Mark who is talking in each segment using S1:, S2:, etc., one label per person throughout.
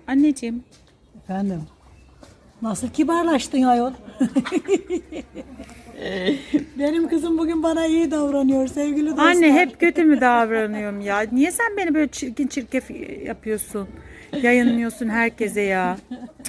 S1: Anneciğim.
S2: Efendim. Nasıl kibarlaştın ayol? Benim kızım bugün bana iyi davranıyor sevgili dostlar.
S1: Anne hep kötü mü davranıyorum ya? Niye sen beni böyle çirkin çirkef yapıyorsun? Yayınlıyorsun herkese ya.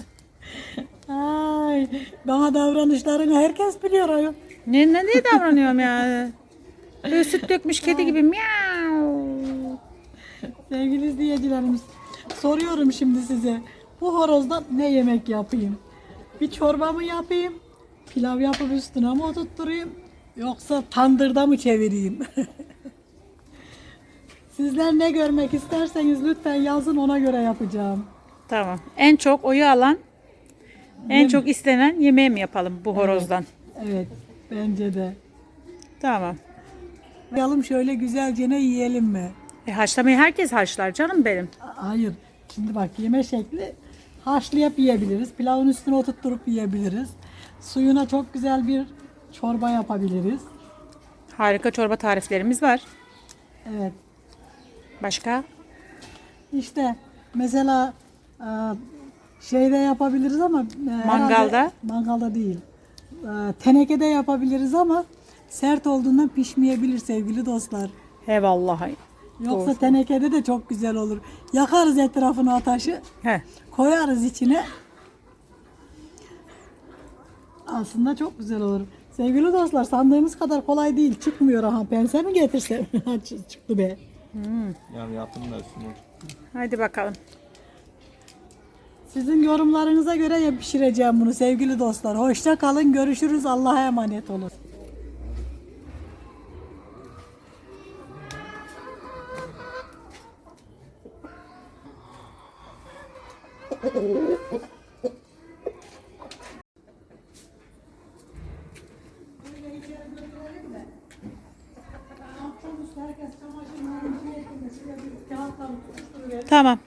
S2: Ay, bana davranışlarını herkes biliyor ayol.
S1: Ne davranıyorum ya? Böyle süt dökmüş kedi gibi miau.
S2: Sevgili izleyicilerimiz, soruyorum şimdi size. Bu horozdan ne yemek yapayım? Bir çorba mı yapayım? Pilav yapıp üstüne mi oturtturayım? Yoksa tandırda mı çevireyim? Sizler ne görmek isterseniz lütfen yazın, ona göre yapacağım.
S1: Tamam. En çok oyu alan, en çok istenen yemeği mi yapalım bu horozdan?
S2: Evet, bence de.
S1: Tamam.
S2: Yalım şöyle güzelce ne yiyelim mi?
S1: Haşlamayı herkes haşlar canım benim.
S2: Hayır. Şimdi bak, yeme şekli haşlayıp yiyebiliriz. Pilavın üstüne oturtturup yiyebiliriz. Suyuna çok güzel bir çorba yapabiliriz.
S1: Harika çorba tariflerimiz var.
S2: Evet.
S1: Başka?
S2: İşte mesela şeyde yapabiliriz ama
S1: Mangalda?
S2: herhalde mangalda değil. Tenekede yapabiliriz ama sert olduğundan pişmeyebilir sevgili dostlar.
S1: He vallahi.
S2: Yoksa
S1: Doğru.
S2: tenekede de çok güzel olur. Yakarız etrafına ateşi,
S1: He.
S2: koyarız içine. Aslında çok güzel olur. Sevgili dostlar, sandığımız kadar kolay değil. Çıkmıyor aha. Pense mi getirsem? Çıktı be.
S3: Yani yapın da şunu.
S1: Hadi bakalım.
S2: Sizin yorumlarınıza göre pişireceğim bunu sevgili dostlar. Hoşça kalın. Görüşürüz. Allah'a emanet olun.
S1: Tamam.